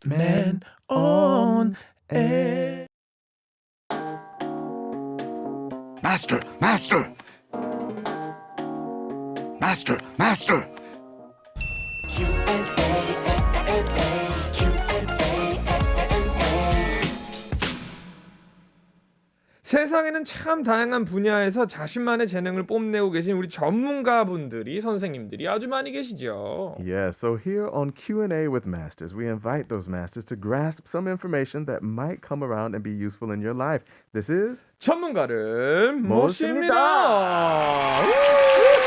Man on air. Master, master, master, master. 세상에는 참 다양한 분야에서 자신만의 재능을 뽐내고 계신 우리 전문가분들이 선생님들이 아주 많이 계시죠. Yeah, so here on Q&A with Masters, we invite those masters to grasp some information that might come around and be useful in your life. This is 전문가를 모십니다. 모십니다.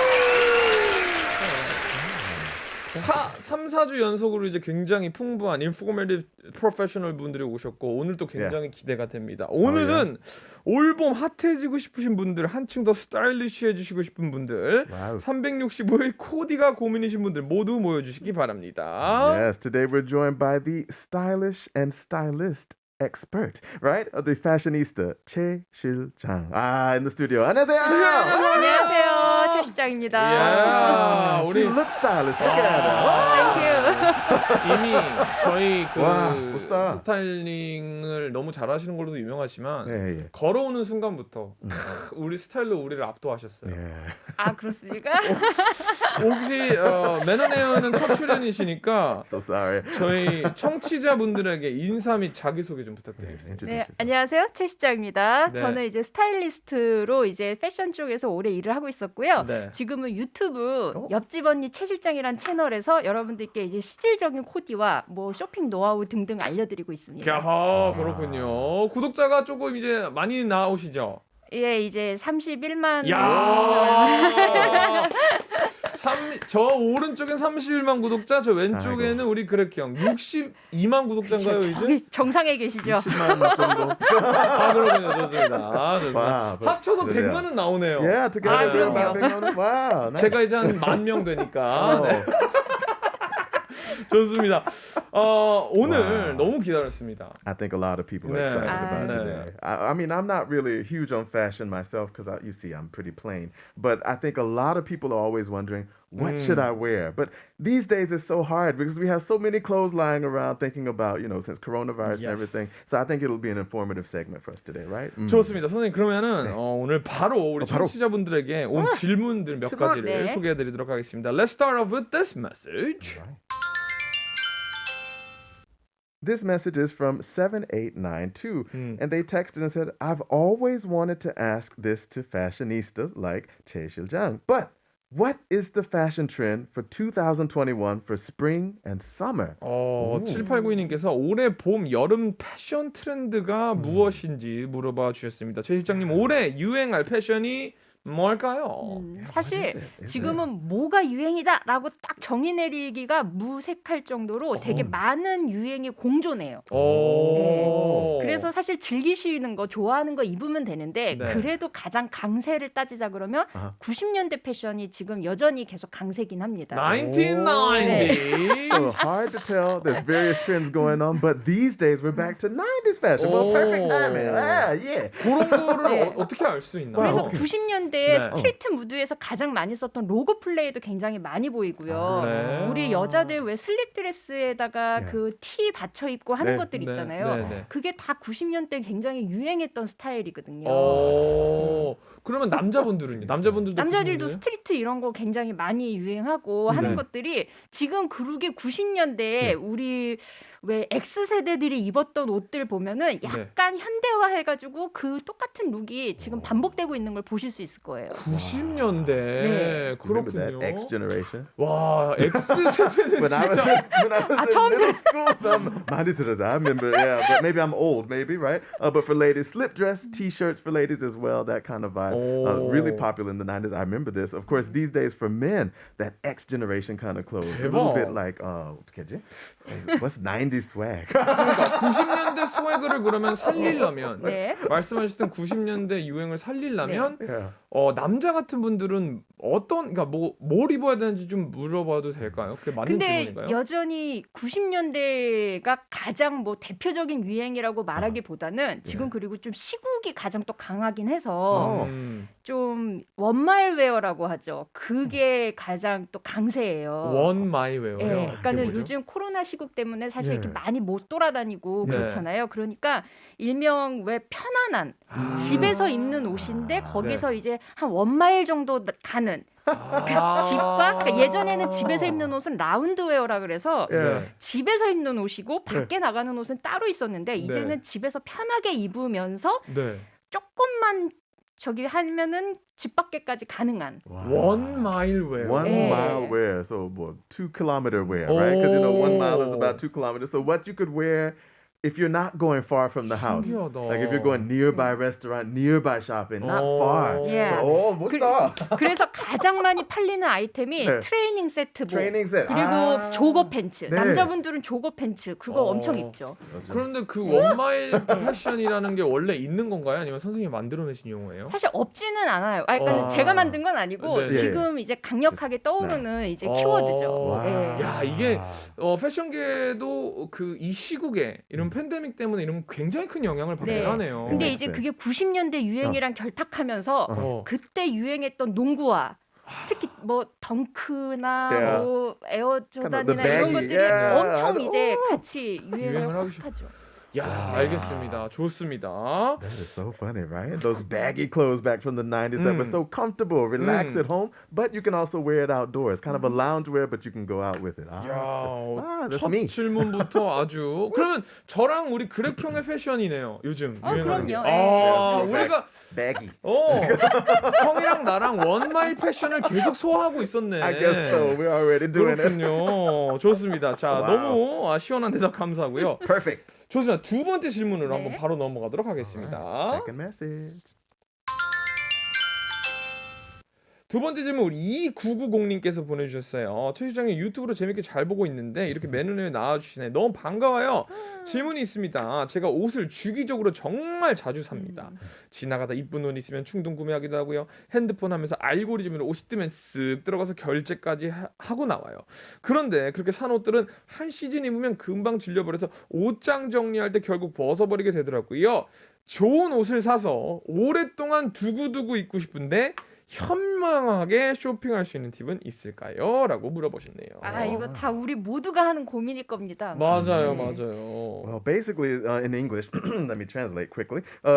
3, 4주 연속으로 이제 굉장히 풍부한 인포메이티브 프로페셔널 분들이 오셨고 오늘도 굉장히 기대가 됩니다. 오늘은 올봄 핫해지고 싶으신 분들, 한층 더 스타일리시해지시고 싶은 분들, 와우. 365일 코디가 고민이신 분들 모두 모여주시기 바랍니다. Yes, today we're joined by the stylish and stylist expert, right? Of the fashionista, Che Shil-jang. In the studio. 안녕하세요. 안녕하세요. 최 실장입니다. 야, She 우리 looks stylish. Look at her. 이미 저희 그 와, 멋있다. 스타일링을 너무 잘하시는 걸로도 유명하지만 예, 예. 걸어오는 순간부터 우리 스타일로 우리를 압도하셨어요. Yeah. 아 그렇습니까? 혹시 매너네어는 첫 출연이시니까 So sorry. 저희 청취자분들에게 인사 및 자기소개 좀 부탁드리겠습니다. 네, 안녕하세요. 최 실장입니다. 네. 저는 이제 스타일리스트로 이제 패션 쪽에서 오래 일을 하고 있었고요. 네. 지금은 유튜브 옆집 언니 최 실장이란 채널에서 여러분들께 이제 실질적인 코디와 뭐 쇼핑 노하우 등등 알려드리고 있습니다. 야, 그렇군요. 구독자가 조금 이제 많이 나오시죠? 예, 이제 31만. 야. 저 오른쪽엔 31만 구독자, 저 왼쪽에는 우리 그렉 형 62만 구독자인가요 이제? 거기 정상에 계시죠? 10만 정도. 그렇군요. 좋습니다. 좋습니다. 와, 합쳐서 그러네요. 100만은 나오네요. Yeah, together we're 그럼요. about 100. Wow. Nice. 제가 이제 한 10,000명 되니까. Oh. 네. 좋습니다. 오늘 와. 너무 기다렸습니다. I think a lot of people are 네. excited 아, about 네. today. I mean, I'm not really huge on fashion myself because you see, I'm pretty plain. But I think a lot of people are always wondering, what should I wear? But these days it's so hard because we have so many clothes lying around thinking about, since coronavirus and Yes. everything. So I think it'll be an informative segment for us today, right? 좋습니다. 선생님 그러면은 오늘 바로 우리 바로. 청취자분들에게 온 질문들 몇 질문. 가지를 네. 소개해드리도록 하겠습니다. Let's start off with this message. This message is from 7892, and they texted and said, I've always wanted to ask this to fashionistas like Che Shil-jang, but what is the fashion trend for 2021 for spring and summer? 7892님께서 올해 봄, 여름 패션 트렌드가 무엇인지 물어봐 주셨습니다. 최 실장님, 올해 유행할 패션이 뭘까요? 사실 지금은 뭐가 유행이다라고 딱 정의 내리기가 무색할 정도로 되게 많은 유행이 공존해요. 오. 그래서 사실 즐기시는 거 좋아하는 거 입으면 되는데 네. 그래도 가장 강세를 따지자 그러면 90년대 패션이 지금 여전히 계속 강세긴 합니다. 1990. So hard to tell. There's various trends going on, but these days we're back to 90s fashion. Well, perfect timing. Yeah. 그런 거를 네. 어떻게 알 수 있나요? 그래서 어떻게- 90년대 네. 스트리트 무드에서 가장 많이 썼던 로고 플레이도 굉장히 많이 보이고요. 그래? 우리 여자들 왜 슬립 드레스에다가 네. 그 티 받쳐 입고 하는 네. 것들 네, 있잖아요. 네, 네. 그게 다 90년대 굉장히 유행했던 스타일이거든요. 그러면 남자분들은요? 남자분들도 남자들도 90년대예요? 스트리트 이런 거 굉장히 많이 유행하고 하는 네. 것들이 지금 그루게 90년대에 우리 왜 X세대들이 입었던 옷들 보면은 약간 현대화해가지고 그 똑같은 룩이 지금 반복되고 있는 걸 보실 수 있을 거예요. 90년대 Remember 그렇군요. that X generation? 와 X 세대는 When I was 진짜 in 처음 middle school, 많이 들었어요. I remember, yeah, but maybe I'm old, maybe, right? But for ladies, slip dress, t-shirts for ladies as well, that kind of vibe. Really popular in the 90s. I remember this. Of course, these days for men, that X generation kind of clothes. A little bit like, 어떻게 하지? What's 90s swag? 90년대 스웨그를 그러면 살리려면 네. 말씀하셨던 90년대 유행을 살리려면 Yeah. 남자 같은 분들은 그러니까 뭘 입어야 되는지 좀 물어봐도 될까요? 그게 맞는 근데 질문인가요? 여전히 90년대가 가장 뭐 대표적인 유행이라고 말하기보다는 지금 그리고 좀 시국이 가장 또 강하긴 해서 좀 원말웨어라고 하죠. 그게 가장 또 강세예요. 원 마이웨어요. 예, 그게 그러니까는 뭐죠? 요즘 코로나 시국 때문에 사실 이렇게 네. 많이 못 돌아다니고 네. 그렇잖아요. 그러니까 일명 왜 편안한 집에서 입는 옷인데 거기서 이제 한 원마일 정도 가는 집과 그러니까 예전에는 집에서 입는 옷은 라운드웨어라 그래서 Yeah. 집에서 입는 옷이고 밖에 나가는 옷은 따로 있었는데 이제는 집에서 편하게 입으면서 네. 조금만 저기 하면은 집 밖에까지 가능한. 원 마일웨어. One Yeah. mile wear, so what, 2 kilometer wear, right? Because 1 mile is about 2 kilometers. So what you could wear if you're not going far from the house, 신기하다. like if you're going nearby restaurant, nearby shopping, not far. Yeah. So, 멋있다. 그래서 가장 많이 팔리는 아이템이 네. 트레이닝 세트복 트레이닝 세트. 그리고 조거 팬츠. 네. 남자분들은 조거 팬츠 그거 엄청 입죠. 그런데 그 원마일 패션이라는 게 원래 있는 건가요? 아니면 선생님이 만들어내신 용어예요? 사실 없지는 않아요. 그러니까 제가 만든 건 아니고 네. 지금 이제 강력하게 떠오르는 이제 키워드죠. 와. 예. 야 이게 패션계도 그 이 시국에 이런 팬데믹 때문에 이런 굉장히 큰 영향을 받긴 네. 하네요. 근데 makes 이제 그게 sense. 90년대 유행이랑 결탁하면서 그때 유행했던 농구화 특히 뭐 덩크나 Yeah. 뭐 에어 Kind of the 조단이나 이런 baggy, 것들이 yeah. 엄청 이제 같이 유행을 유행을 하기 확 하죠. 야 알겠습니다. 좋습니다. That is so funny, right? Those baggy clothes back from the 90s that were so comfortable, relax at home, but you can also wear it outdoors. Kind of a loungewear, but you can go out with it. That's 첫 me. 질문부터 아주 그러면 저랑 우리 그렉형의 패션이네요. 요즘 유행하는 게. 그럼요. 예. 우리가 Baggy. 형이랑 나랑 원마일 패션을 계속 소화하고 있었네. I guess so. We're already doing it. 그렇군요. 좋습니다. 자, 와우. 너무 시원한 대답 감사하고요. Perfect. 좋습니다. 두 번째 질문으로 네. 한번 바로 넘어가도록 하겠습니다. Second message. 두 번째 질문 우리 2990님께서 보내주셨어요. 최 시장님 유튜브로 재밌게 잘 보고 있는데 이렇게 맨눈에 나와주시네. 너무 반가워요. 질문이 있습니다. 제가 옷을 주기적으로 정말 자주 삽니다. 지나가다 이쁜 옷 있으면 충동 구매하기도 하고요. 핸드폰 하면서 알고리즘으로 옷이 뜨면 쓱 들어가서 결제까지 하고 나와요. 그런데 그렇게 산 옷들은 한 시즌 입으면 금방 질려버려서 옷장 정리할 때 결국 벗어버리게 되더라고요. 좋은 옷을 사서 오랫동안 두고두고 입고 싶은데 현명하게 쇼핑할 수 있는 팁은 있을까요? 라고 물어보셨네요. 이거 다 우리 모두가 하는 고민일 겁니다. 맞아요, 네. 맞아요. Well, basically, in English, let me translate quickly.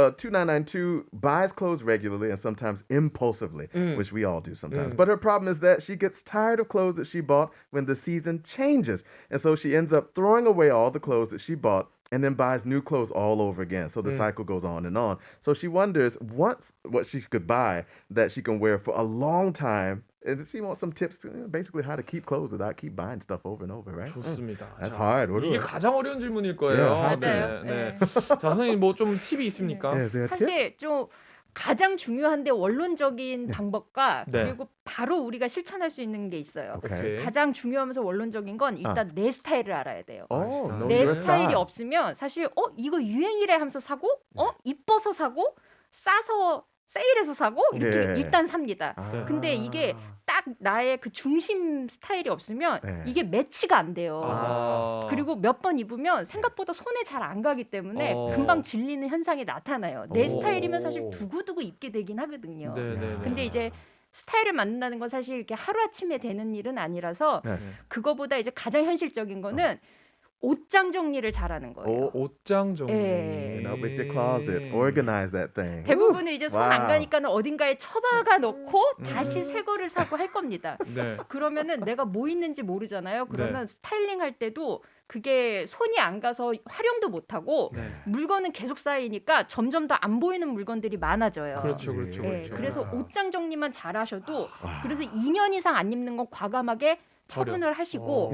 2992 buys clothes regularly and sometimes impulsively, which we all do sometimes. But her problem is that she gets tired of clothes that she bought when the season changes. And so she ends up throwing away all the clothes that she bought and then buys new clothes all over again. So the cycle goes on and on. So she wonders what she could buy that she can wear for a long time. And she wants some tips to basically how to keep clothes without keep buying stuff over and over, right? 좋습니다. That's 자, hard. What do 이게 I- 가장 어려운 질문일 거예요. Yeah, 맞아요. 네. 자, 선생님 뭐 좀 팁이 있습니까? Yeah, is there a tip? 사실 좀 가장 중요한데 원론적인 방법과 네. 그리고 바로 우리가 실천할 수 있는 게 있어요. Okay. 가장 중요하면서 원론적인 건 일단 내 스타일을 알아야 돼요. Oh, know 내 your 스타일이 style. 없으면 사실 이거 유행이래 하면서 사고 이뻐서 사고 싸서 세일해서 사고 이렇게 네. 일단 삽니다. 아. 근데 이게 딱 나의 그 중심 스타일이 없으면 네. 이게 매치가 안 돼요. 아. 그리고 몇 번 입으면 생각보다 손에 잘 안 가기 때문에 금방 질리는 현상이 나타나요. 내 스타일이면 사실 두고두고 입게 되긴 하거든요. 네네네. 근데 이제 스타일을 만든다는 건 사실 이렇게 하루아침에 되는 일은 아니라서 네. 그거보다 이제 가장 현실적인 거는 옷장 정리를 잘하는 거예요. 옷장 정리. 예. You know, with your closet, organize that thing. 대부분은 이제 손 안 와우. 가니까는 어딘가에 처박아 놓고 다시 새 거를 사고 할 겁니다. 네. 그러면은 내가 뭐 있는지 모르잖아요. 그러면 스타일링 할 때도 그게 손이 안 가서 활용도 못 하고 네. 물건은 계속 쌓이니까 점점 더 안 보이는 물건들이 많아져요. 그렇죠, 그렇죠, 예, 그렇죠. 그래서 옷장 정리만 잘 하셔도 그래서 2년 이상 안 입는 건 과감하게 처분을 하시고 예.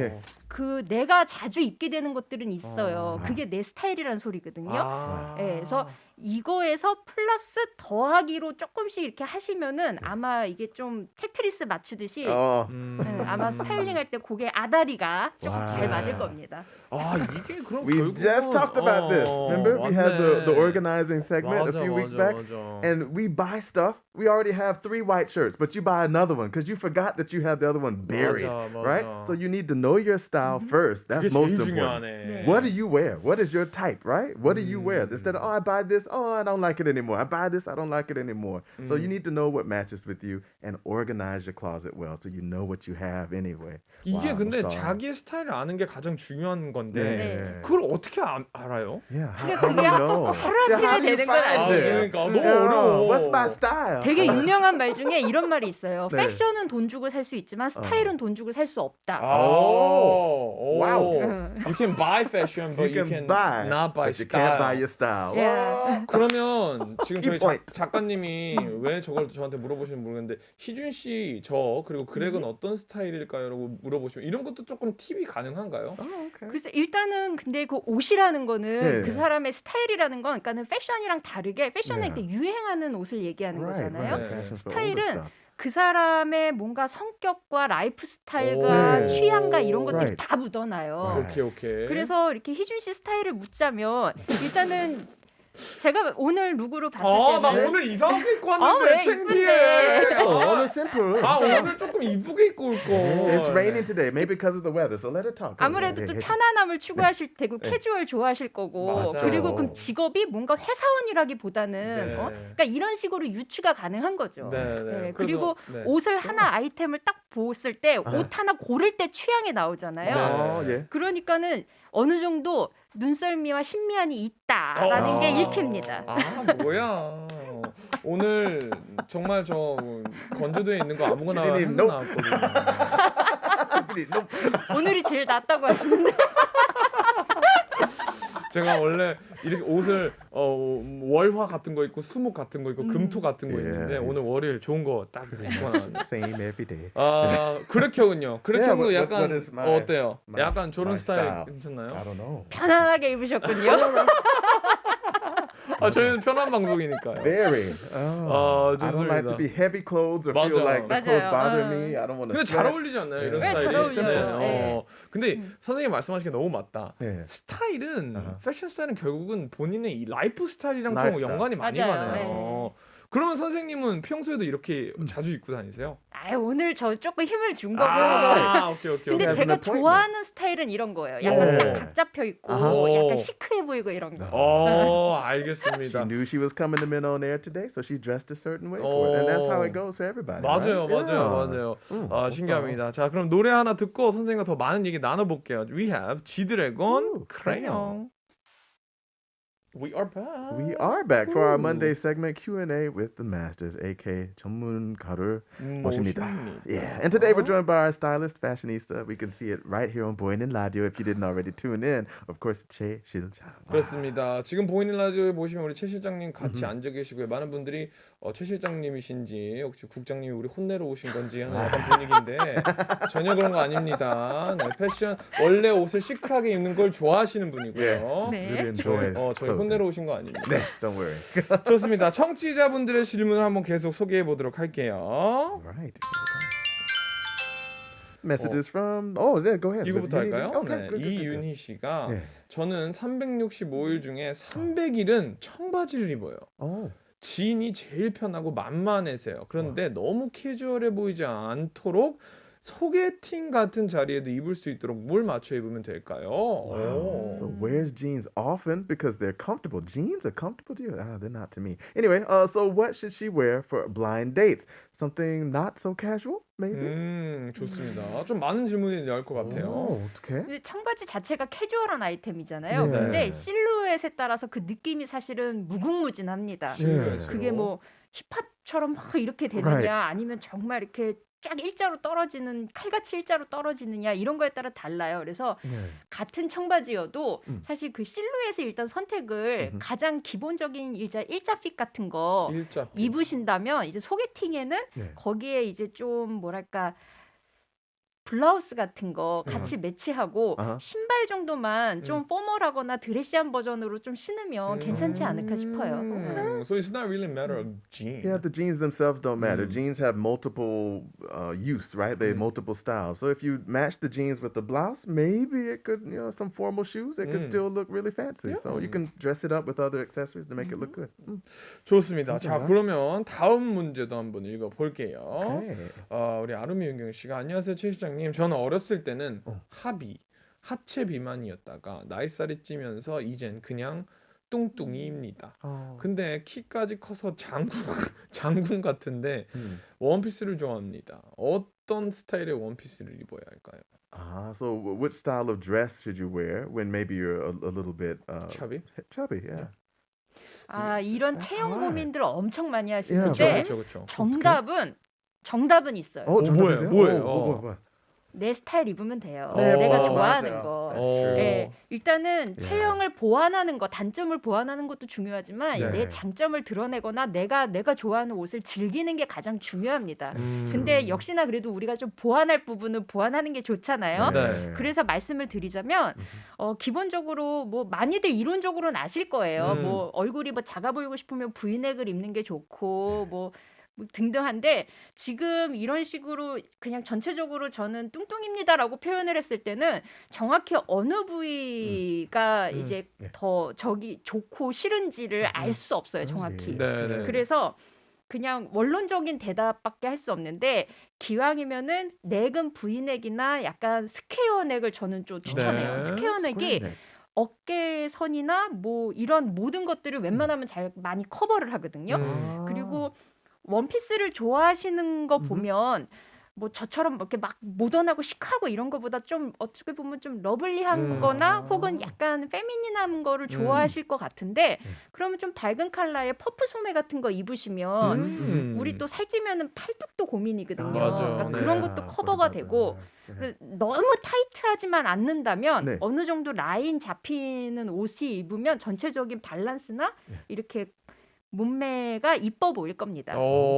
그 내가 자주 입게 되는 것들은 있어요. 아. 그게 내 스타일이란 소리거든요. 아. 예, 그래서 이거에서 플러스 더하기로 조금씩 이렇게 하시면은 아마 이게 좀 테트리스 맞추듯이 Oh, 아마 스타일링할 때 고개 아다리가 조금 와. 잘 맞을 겁니다. 아 이게 그럼 we 결국은 just talked about this. Remember, we had the 맞네. organizing segment 맞아, a few weeks 맞아, back, 맞아. and we buy stuff. We already have 3 white shirts, but you buy another one because you forgot that you had the other one buried, 맞아. right? So you need to know your style first. That's 그게 most 제일 important. 중요하네. What do you wear? What is your type, right? What do you wear? Instead of, oh, I buy this, oh, I don't like it anymore. I buy this, I don't like it anymore. So you need to know what matches with you and organize your closet well so you know what you have anyway. 이게 Wow, 근데 멋있다. 자기의 스타일을 아는 게 가장 중요한 건데 네. 그걸 어떻게 알아요? Yeah, how do you know? 하루아침에 how do you 되는 건 find 아니에요. it? 그러니까 너무 Yeah, 어려워. What's my style? 되게 유명한 말 중에 이런 말이 있어요. 네. 패션은 돈 주고 살 수 있지만 스타일은 돈 주고 살 수 없다. 오, 와우. You can buy fashion, but you can buy, not buy but you can't buy style. your style. 예. 그러면 지금 저희 Key point. 작가님이 왜 저걸 저한테 물어보시는지 모르겠는데 희준 씨, 저 그리고 그렉은 어떤 스타일일까요?라고 물어보시면 이런 것도 조금 팁이 가능한가요? Oh, okay. 그래서 일단은 근데 그 옷이라는 거는 네. 그 사람의 스타일이라는 건 그러니까는 패션이랑 다르게 패션은 네. 이렇게 유행하는 옷을 얘기하는 거잖아요. 네. Fashion for older 스타일은 stuff. 그 사람의 뭔가 성격과 라이프 스타일과 오. 취향과 이런 것들이 Right. 다 묻어나요. Right. 오케이. 그래서 이렇게 희준 씨 스타일을 묻자면 일단은 제가 오늘 룩으로 봤을 나 때는 오늘 이상하게 입고 왜 왔는데 창피해. 이쁜데? Oh, it's simple. 오늘 조금 이쁘게 입고 올 거. It's raining today, maybe because of the weather. So let her talk. 아무래도 좀 Hey, hey, 편안함을 추구하실 테고 캐주얼 좋아하실 거고 맞아요. 그리고 그럼 직업이 뭔가 회사원이라기보다는 네. 그러니까 이런 식으로 유추가 가능한 거죠. 네. 그리고 그래서, 네. 옷을 하나 아이템을 딱 보았을 때 옷 하나 고를 때 취향이 나오잖아요. 네. Oh, yeah. 그러니까는 어느 정도 눈썰미와 신미한이 있다라는 게 읽힙니다. 뭐야. 오늘 정말 저 건조대에 있는 거 아무거나 해서 피디님, nope. 나왔거든요. 오늘이 제일 낫다고 하시는데 제가 원래 이렇게 옷을 월화 같은 거 있고 수목 같은 거 있고 금토 같은 거 Yeah, 있는데 오늘 월요일 좋은 거 딱 입고 나왔네. Same every day. 그렉형은요. 그렉형도 Yeah, 약간 what is my- 어때요? 약간 저런 my 스타일 style? 괜찮나요? I don't know. 편안하게 입으셨군요. 저희는 편한 방송이니까요. Very. Oh, I don't like 좋습니다. to be heavy clothes or 맞아. feel like the clothes 맞아요. bother me. I don't want to. 근데 잘 어울리지 않나요? 이런 네, 스타일이? 잘 어울려요. 네. 근데 선생님 말씀하신 게 너무 맞다. 네. 스타일은 아하. 패션 스타일은 결국은 본인의 이 라이프 스타일이랑 좀 라이프스타일. 연관이 많이 맞아요. 가네요. 그러면 선생님은 평소에도 이렇게 자주 입고 다니세요? 오늘 저 조금 힘을 준 거고. 오케이. 근데 Has an 제가 appointment. 좋아하는 스타일은 이런 거예요. 약간 오. 딱 각 잡혀 있고 아하. 약간 시크해 보이고 이런 거. She 알겠습니다. knew she was coming to Men on Air today, so she dressed a certain way for it, and that's how it goes for everybody. 맞아요, right? 맞아요. 좋다. 신기합니다. 자, 그럼 노래 하나 듣고 선생님과 더 많은 얘기 나눠볼게요. We have G-Dragon, Crayon. We are back. We are back for our Monday segment Q&A with the masters, AK 전문가를 모십니다. Yeah, and today we're joined by our stylist, fashionista. We can see it right here on 보이는 라디오 if you didn't already tune in. Of course, 최 실장. 그렇습니다. 지금 보이는 라디오에 보시면 우리 최 실장님 같이 앉아 계시고요. 많은 분들이 최 실장님이신지 혹시 국장님이 우리 혼내러 오신 건지 하는 약간 분위기인데 전혀 그런 거 아닙니다. 네, 패션 원래 옷을 시크하게 입는 걸 좋아하시는 분이고요. 네. Really enjoys 저희 clothing. 혼내러 오신 거 아닙니다. 네, don't worry. 좋습니다. 청취자분들의 질문을 한번 계속 소개해 보도록 할게요. Right. Messages from. Oh, yeah, go ahead. 이거부터 You need- 할까요? Okay, 네, good. 이윤희 씨가 네. 저는 365일 중에 300일은 청바지를 입어요. Oh. 지인이 제일 편하고 만만해서요. 그런데 너무 캐주얼해 보이지 않도록 소개팅 같은 자리에도 입을 수 있도록 뭘 맞춰 입으면 될까요? 오. So wears jeans often because they're comfortable. Jeans are comfortable to you? They're not to me. Anyway, so what should she wear for blind dates? Something not so casual, maybe? 좋습니다. 좀 많은 질문이 나올 것 같아요. Oh, okay. 근데 청바지 자체가 캐주얼한 아이템이잖아요. 네. 근데 실루엣에 따라서 그 느낌이 사실은 무궁무진합니다. 네. 그게 뭐 힙합처럼 막 이렇게 되느냐 Right. 아니면 정말 이렇게 쫙 일자로 떨어지는 칼같이 일자로 떨어지느냐 이런 거에 따라 달라요. 그래서 네. 같은 청바지여도 사실 그 실루엣의 일단 선택을 가장 기본적인 일자 핏 같은 거 일자 입으신다면 이제 소개팅에는 네. 거기에 이제 좀 뭐랄까 블라우스 같은 거 같이 매치하고 아하. 신발 정도만 좀 포멀하거나 드레시한 버전으로 좀 신으면 괜찮지 않을까 싶어요. So it's not really a matter of jeans. Yeah, the jeans themselves don't matter. Jeans have multiple use, right? They have multiple styles. So if you match the jeans with the blouse, maybe it could, some formal shoes, it could still look really fancy. So you can dress it up with other accessories to make it look good. 좋습니다. 자, 그러면 다음 문제도 한번 읽어볼게요. Okay. 우리 아루미 윤경 씨가 안녕하세요 최 시장님. 저는 어렸을 때는 하체 비만이었다가 나이살이 찌면서 이젠 그냥 뚱뚱이입니다. 근데 키까지 커서 장군 같은데 원피스를 좋아합니다. 어떤 스타일의 원피스를 입어야 할까요? So which style of dress should you wear when maybe you're a little bit Chubby? Chubby, yeah. 이런 체형 hard. 고민들 엄청 많이 Yeah, 하시는데 그렇죠. 정답은 있어요. 정답이세요? 뭐예요? 뭐예요? 내 스타일 입으면 돼요. 네, 내가 맞아요. 좋아하는 거. That's true. 네, 일단은 체형을 보완하는 거, 단점을 보완하는 것도 중요하지만 네. 내 장점을 드러내거나 내가 좋아하는 옷을 즐기는 게 가장 중요합니다. 근데 역시나 그래도 우리가 좀 보완할 부분은 보완하는 게 좋잖아요. 네. 그래서 말씀을 드리자면 기본적으로 뭐 많이들 이론적으로는 아실 거예요. 뭐 얼굴이 뭐 작아 보이고 싶으면 V넥을 입는 게 좋고 뭐 등등한데 지금 이런 식으로 그냥 전체적으로 저는 뚱뚱입니다라고 표현을 했을 때는 정확히 어느 부위가 이제 더 좋고 싫은지를 알 수 없어요, 정확히. 네. 그래서 그냥 원론적인 대답밖에 할 수 없는데 기왕이면은 넥은 V넥이나 약간 스퀘어 넥을 저는 좀 추천해요. 네. 스퀘어 넥이 어깨 선이나 뭐 이런 모든 것들을 웬만하면 잘 많이 커버를 하거든요. 그리고 원피스를 좋아하시는 거 보면 뭐 저처럼 이렇게 막 모던하고 시크하고 이런 거보다 좀 어떻게 보면 좀 러블리한 거나 혹은 약간 페미닌한 거를 좋아하실 것 같은데 그러면 좀 밝은 컬러의 퍼프 소매 같은 거 입으시면 우리 또 살찌면은 팔뚝도 고민이거든요. 맞아. 그러니까 그런 것도 커버가 되고 너무 타이트하지만 않는다면 네. 어느 정도 라인 잡히는 옷이 입으면 전체적인 밸런스나 이렇게 몸매가 이뻐 보일 겁니다.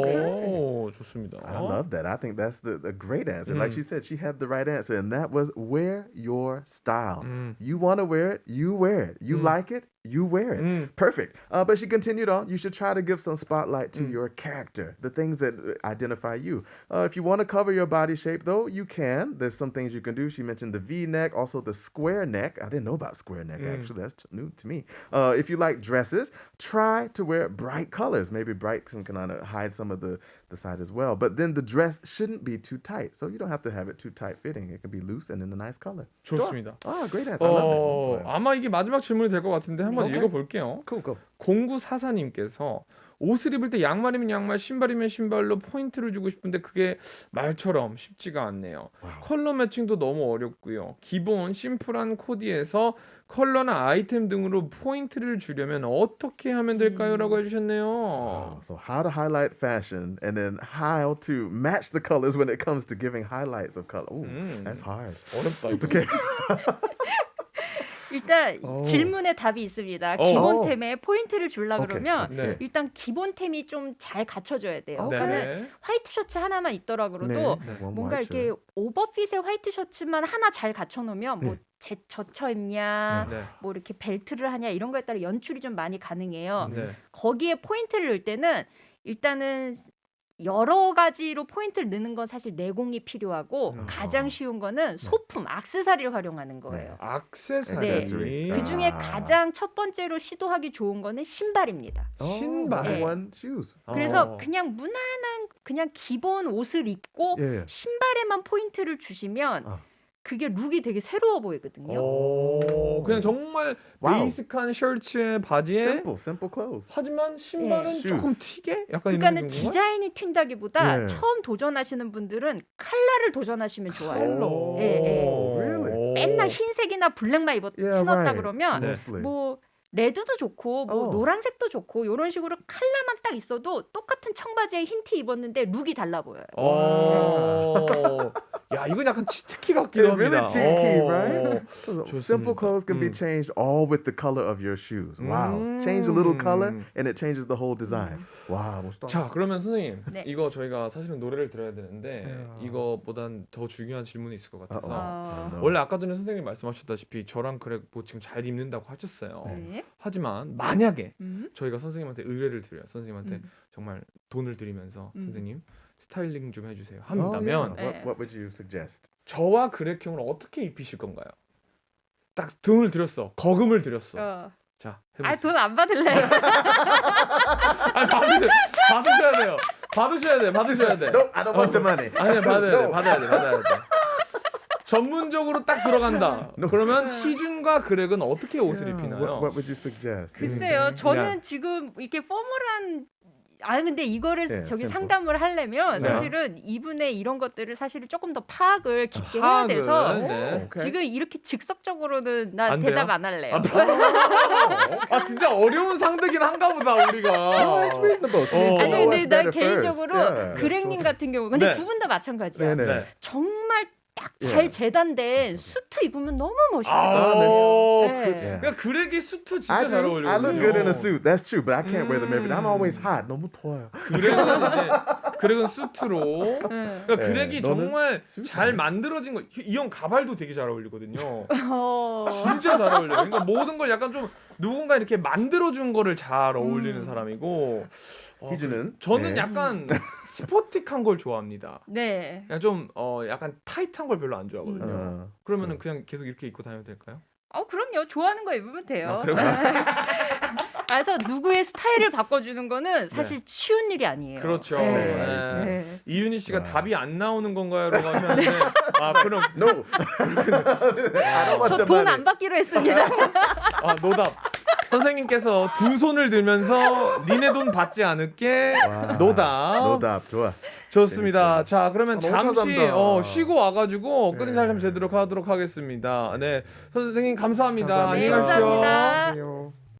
좋습니다. I love that. I think that's the great answer. Like she said, she had the right answer, and that was wear your style. You want to wear it, you wear it. You like it, you wear it. Perfect. But she continued on. You should try to give some spotlight to your character, the things that identify you. If you want to cover your body shape, though, you can. There's some things you can do. She mentioned the V-neck, also the square neck. I didn't know about square neck, actually. That's new to me. If you like dresses, try to wear bright colors. Maybe bright can kind of hide some of the side as well. But then the dress shouldn't be too tight. So you don't have to have it too tight fitting. It can be loose and in a nice color. 좋습니다. Great answer. I love that. 아마 이게 마지막 질문이 될 것 같은데 한번 오케이. 읽어볼게요. Cool. 0944님께서 옷을 입을 때 양말이면 양말, 신발이면 신발로 포인트를 주고 싶은데 그게 말처럼 쉽지가 않네요. 컬러 매칭도 너무 어렵고요. 기본 심플한 코디에서 컬러나 아이템 등으로 포인트를 주려면 어떻게 하면 될까요? 라고 해주셨네요. So how to highlight fashion and then how to match the colors when it comes to giving highlights of color. Ooh, that's hard. 어렵다. 이거. Okay. 일단 질문에 답이 있습니다. 기본템에 포인트를 주려 오케이. 그러면 네. 일단 기본템이 좀 잘 갖춰져야 돼요. 네. 그러니까는 화이트 셔츠 하나만 있더라 그래도 네. 뭔가 이렇게 오버핏의 화이트 셔츠만 하나 잘 갖춰놓으면 뭐 젖혀 입냐, 네. 뭐 이렇게 벨트를 하냐 이런 거에 따라 연출이 좀 많이 가능해요. 네. 거기에 포인트를 넣을 때는 일단은 여러 가지로 포인트를 넣는 건 사실 내공이 필요하고 가장 쉬운 거는 소품, 액세서리를 활용하는 거예요. 액세서리. 그 중에 가장 첫 번째로 시도하기 좋은 거는 신발입니다. 신발. 네. One shoes. 그래서 그냥 무난한 그냥 기본 옷을 입고 예. 신발에만 포인트를 주시면 그게 룩이 되게 새로워 보이거든요. 그냥 정말 와우. 베이직한 셔츠에 바지에 Simple clothes. 하지만 신발은 예. 조금 튀게? 약간 그러니까는 이런 건가요? 디자인이 튄다기보다 예. 처음 도전하시는 분들은 컬러를 도전하시면 좋아요. 컬러. 예, 예. Really? 맨날 흰색이나 블랙만 신었다 right. 그러면 Mostly. 뭐 레드도 좋고 뭐 노란색도 좋고 이런 식으로 컬러만 딱 있어도 똑같은 청바지에 흰 티 입었는데 룩이 달라 보여요. 야 이건 약간 치트키 같기도 It's really 합니다. cheeky, 어. right? So 좋습니다. simple clothes can be changed all with the color of your shoes. Wow. Change a little color and it changes the whole design. Wow, 멋있다. 자 그러면 선생님 네. 이거 저희가 사실은 노래를 들어야 되는데 이거보단 더 중요한 질문이 있을 것 같아서 Uh-oh. 원래 아까 전에 선생님 말씀하셨다시피 저랑 그래 뭐 지금 잘 입는다고 하셨어요. 네. 하지만 만약에 음. 저희가 선생님한테 의뢰를 드려요. 선생님한테 음. 정말 돈을 드리면서 선생님 스타일링 좀 해주세요. Oh, yeah. 한다면 What would you suggest? 저와 그렉형을 어떻게 입히실 건가요? 딱 돈을 드렸어. 거금을 드렸어. 자 해보세요. 돈 안 받을래요. 아니, 받으셔야 돼요. 받으셔야 돼. No, I don't want your money. 아니 No. 받아야 돼. 전문적으로 딱 들어간다. 그러면 희준과 그렉은 어떻게 옷을 입히나요? What would you suggest? 글쎄요, 저는 지금 이렇게 포멀한 근데 이거를 네, 저기 샘플. 상담을 하려면 네. 사실은 이분의 이런 것들을 사실은 조금 더 파악을 깊게 해야 돼서 네. 오케이. 지금 이렇게 즉석적으로는 나 안 대답 돼요? 안 할래요. 아 진짜 어려운 상대긴 한가 보다 No, 우리가. it's reasonable. She needs to 아니 know 근데 what's 난 better 개인적으로 first. Yeah. 그렉님 같은 경우 근데 네. 두 분 다 마찬가지야. 네네. 네. 정말 딱 잘 예. 재단된 수트 입으면 너무 멋있어. 아, 네. 그러니까 그렉이 수트 진짜 I 잘 do. 어울려. I look good in a suit. That's true, but I can't wear them every day. I'm always hot. 너무 더워요. 그렉은 수트로. 네. 그러니까 네, 그렉이 너는 정말 수트 잘 아니야? 만들어진 거. 이 형 가발도 되게 잘 어울리거든요. 어. 진짜 잘 어울려. 그러니까 모든 걸 약간 좀 누군가 이렇게 만들어준 거를 잘 어울리는 사람이고. 희준은? 저는 네. 약간 스포틱한 걸 좋아합니다. 네. 그냥 좀 약간 타이트한 걸 별로 안 좋아하거든요. 어. 그러면은 그냥 계속 이렇게 입고 다녀도 될까요? 그럼요. 좋아하는 거 입으면 돼요. 그리고 그래서 누구의 스타일을 바꿔주는 거는 사실 쉬운 일이 아니에요. 그렇죠. 네. 네. 네. 이윤희 씨가 와. 답이 안 나오는 건가요?라고 하셨는데 그럼 No. I don't want 저 your 돈 money. 안 받기로 했습니다. 노답. 선생님께서 두 손을 들면서 니네 돈 받지 않을게. 와, 노답. 노답 좋아. 좋습니다. 재밌어요. 자 그러면 너무 잠시 감사합니다. 쉬고 와가지고 끝 인사를 좀 네. 제대로 하도록 하겠습니다. 네 선생님 감사합니다. 감사합니다. 안녕히 가십시오. 감사합니다. 안녕.